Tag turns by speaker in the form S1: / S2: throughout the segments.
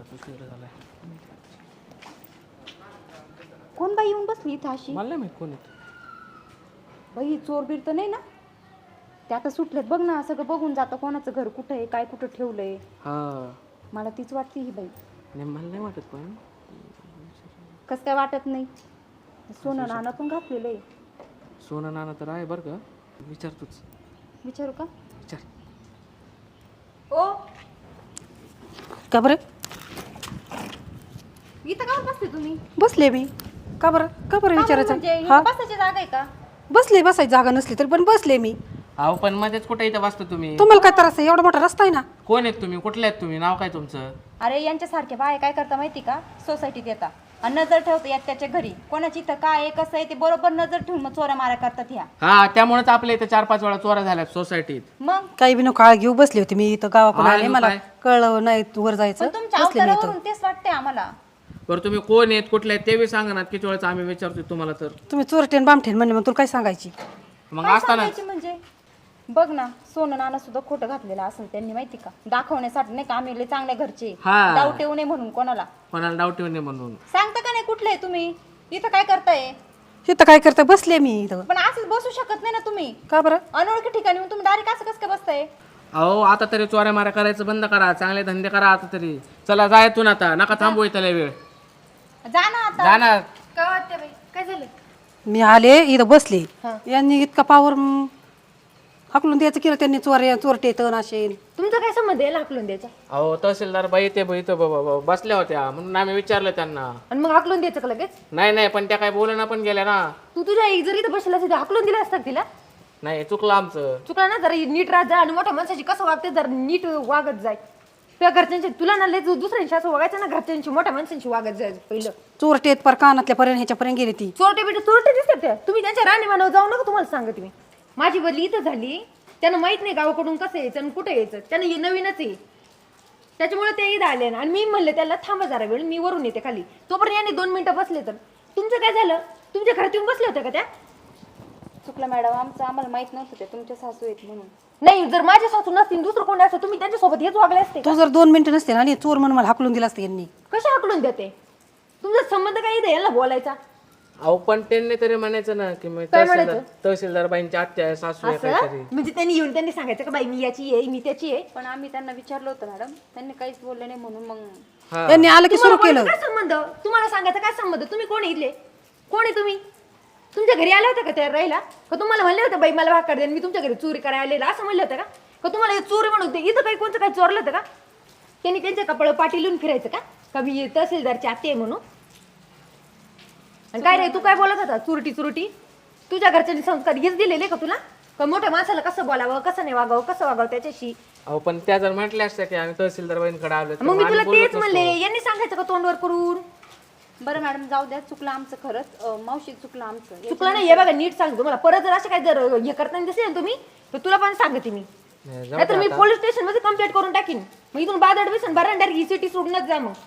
S1: बराच उशीर झालाय.
S2: कोण बाई येऊन बसली इथं अशी?
S1: मला नाही माहित कोण येत.
S2: बाई चोर बीर तर नाही ना? ते आता सुटलेत बघ ना, सगळं बघून जातं कोणाचं घर कुठं आहे, काय कुठं ठेवलंय.
S1: हा
S2: मला तीच वाटते ही बाई.
S1: नाही मला नाही वाटत पण
S2: कसं काय वाटत नाही? सोनं नाणं पण घातलेलं आहे.
S1: सोनं नाणं तर आहे बरं का. विचारतोच.
S2: विचारू का?
S1: विचार.
S2: ओ
S3: का बरं
S2: इथं का बसले तुम्ही?
S3: बसले मी. का बरं विचारायचं?
S2: म्हणजे
S3: हा
S2: बसायची जागा आहे का?
S3: बसले, बसायची जागा नसली तरी पण बसले मी.
S1: अहो पण मध्येच कुठे इथं बसता तुम्ही?
S3: तुम्हाला काय त्रास आहे? एवढा मोठा रस्ता आहे ना.
S1: कोण आहेत तुम्ही? कुठले आहेत तुम्ही? नाव काय तुमचं?
S2: अरे यांच्यासारखे बाय काय करता माहिती का? सोसायटीत येतात आणि नजर ठेवता येत त्याच्या घरी. कोणाची इथं काय आहे कसं आहे ते बरोबर नजर ठेवून मग चोऱ्या मारा करतात ह्या.
S1: हा त्यामुळेच आपल्या इथं 4-5 वेळा चोऱ्या झाल्यात सोसायटीत.
S2: मग
S3: काही बी नको काळ घेऊ बसले होते मी इथं गावाकडून
S1: हा,
S3: आले. मला
S1: काय?
S3: कळलं नाही वर जायचं.
S2: पण तुमच्या
S3: बसले मी इथं.
S2: अवतारावरून तेच वाटते आम्हाला.
S1: बरं तुम्ही कोण आहेत कुठले आहेत ते बी सांगा ना. किती वेळेस आम्ही विचारतोय तुम्हाला तर.
S3: तुम्ही चोरटेन बामठेन म्हणले मग तुला काय सांगायची?
S1: मग
S2: काय
S1: असताना
S2: सांगायची म्हणजे बघ ना, सोनं नाणं सुद्धा खोटं घातलेलं असेल त्यांनी माहिती का? दाखवण्यासाठी नाही का आम्ही लय चांगल्या घरचे,
S1: हा.
S2: डाऊट येऊ नये म्हणून कोणाला.
S1: कोणाला डाऊट येऊ नये म्हणून.
S2: सांगता का नाही कुठले आहे तुम्ही? इथं काय करताय?
S3: इथं काय करता? बसले मी इथं.
S2: पण असंच बसू शकत नाही ना तुम्ही.
S3: का बरं?
S2: अनोळखी ठिकाणी येऊन तुम्ही डायरेक्ट असं कसं काय बसताय?
S1: अहो आता तरी चोऱ्या माऱ्या करायचं बंद करा. चांगले धंदे करा आता तरी. चला जायतून आता. नका थांबू इथं लय वेळ.
S2: जा ना आता.
S1: जाणार.
S2: काय वाटतं बाई? काय झालं?
S3: मी आले इथं बसले. यांनी इतका पावर हाकलून द्यायचं केलं त्यांनी. चोरटे तण असे.
S2: तुमचा काय संबंध आहे हाकलून द्यायचा?
S1: अहो तहसीलदार बाई ते बसल्या होत्या म्हणून आम्ही विचारलं त्यांना.
S2: आणि मग हाकलून द्यायचं का लगेच?
S1: नाही पण त्या काय बोलणं पण गेल्या ना.
S2: तू तुझ्या आई जरी इथं बसला असेल हाकलून दिला असतात तिला.
S1: नाही चुकलं आमचं.
S2: चुकला ना, जरा नीट राहत जा आणि मोठ्या माणसाची कसं वागते जर नीट वागत जाय. तुझ्या घरच्यांची तुला ना लय दुसऱ्यांशी असं वागायचं ना, घरच्यांशी मोठ्या माणसांशी वागत जाय पहिलं.
S3: चोरटेत पर कानातल्या पर्यंत ह्याच्यापर्यंत गेली ती.
S2: चोरटे दिसतात त्या. तुम्ही त्यांच्या राणी मानव जाऊ नका. तुम्हाला सांगते मी, माझी बदली इथं झाली. त्यांना माहित नाही गावाकडून कसं यायचं आणि कुठे यायचं. त्यांना नवीनच आहे त्याच्यामुळे ते इथं आले ना. आणि मी म्हणले त्याला थांबा जरा वेळ, मी वरून येते खाली. तोपर्यंत याने 2 मिनिटं बसले. तर तुमचं काय झालं? तुमच्या घरात येऊन बसले होते का त्या? चुकलं मॅडम आमचं, आम्हाला माहित नव्हतं ते तुमच्या सासू आहेत म्हणून. नाही, जर माझ्या सासू नसतील दुसरं कोणी असतं तुम्ही त्यांच्यासोबत हेच वागले असते.
S3: तू जर 2 मिनिटं नसते ना आणि चोर म्हणून मला हाकलून दिला असतं यांनी.
S2: कशा हाकलून देते? तुमचा संबंध काय इथे याला बोलायचा?
S1: अहो पण त्यांनी तरी म्हणायचं ना की मी
S2: काय म्हणायचं?
S1: तहसीलदार बाईंची आत्या आहे, सासू आहे काहीतरी.
S2: म्हणजे त्यांनी येऊन त्यांनी सांगायचं का बाई मी याची आहे मी त्याची आहे. पण आम्ही त्यांना विचारलं होतं मॅडम, त्यांनी काहीच बोलले नाही म्हणून मग
S1: हा.
S3: त्यांनी आलं की सुरू केलं.
S2: काय संबंध? तुम्हाला सांगायचं काय संबंध? तुम्ही कोण इथले? कोण आहे तुम्ही? तुमच्या घरी आले होते का त्या राहिला? का तुम्हाला म्हणले होते बाई मला भाकर दे मी तुमच्या घरी चोरी करायला आलेला असं म्हणलं होतं का? का तुम्हाला हे चोरी म्हणून होते? इथं काही कोणतं काही चोरलं होतं का? त्यांनी त्यांच्या कपड पाठी लिहून फिरायचं का मी तहसीलदारची आत्या आहे म्हणून? आणि काय रे तू काय बोलत होता? चुरटी तुझ्या घरच्यांनी संस्कार हेच दिलेले का तुला? का मोठ्या माणसाला कसं बोलावं कसं नाही वागावं कसं वागावं त्याच्याशी?
S1: अहो पण त्या जर म्हटल्या असत्या की आम्ही तहसीलदार बाईंकडे आलो तर
S2: मग मी
S1: आम्ही
S2: तुला
S1: बोलत
S2: तेच
S1: नसतो.
S2: म्हणले यांनी सांगायचं का तोंडवर करून? बरं मॅडम जाऊ द्या, चुकलं आमचं खरंच. मावशी चुकलं आमचं. चुकलं नाही हे बघा नीट सांग तुम्हाला. परत जर असं काय जर हे करताना दिसेल ना तुम्ही तर तुला पण सांगते मी.
S1: नाही, जाऊ
S2: नाहीतर
S1: दे
S2: मी
S1: आता.
S2: पोलीस स्टेशन मध्ये कंप्लेंट करून टाकीन. मग इथून बादड बिसन बरं डायरेक्ट सिटी सोडूनच जा. मग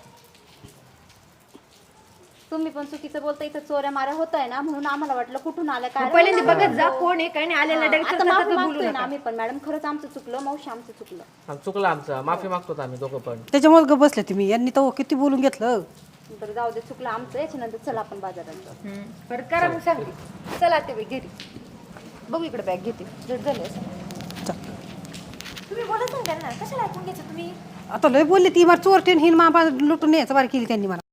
S2: तुम्ही पण चुकीचं बोलता. इथं चोऱ्या माऱ्या होत आहे ना म्हणून आम्हाला वाटलं कुठून आलं काय. पहिल्यांदा बघत जा कोण आहे काय नाही आलेला डायरेक्ट बोलू ना आम्ही पण. मॅडम खरंच आमचं चुकलं. मावशी आमचं चुकलं.
S1: चुकलं आमचं. माफी मागतो आम्ही दोघं पण.
S3: त्याच्यामुळे ग बसले तुम्ही. यांनी तर किती बोलून घेतलं.
S2: तर जाऊ दे चुकलं आमचं. याच्यानंतर चला आपण बाजारात जाऊ. बरं करा मग सांगते. चला ते घरी बघू इकडे बॅग घेते जर झालं असं. तुम्ही बोलत ना त्यांना कशाला ऐकून घ्यायचं तुम्ही?
S3: आता लय बोलली ती मला चोरटेन हिन मा लुटून न्यायचं बारी केली त्यांनी मला.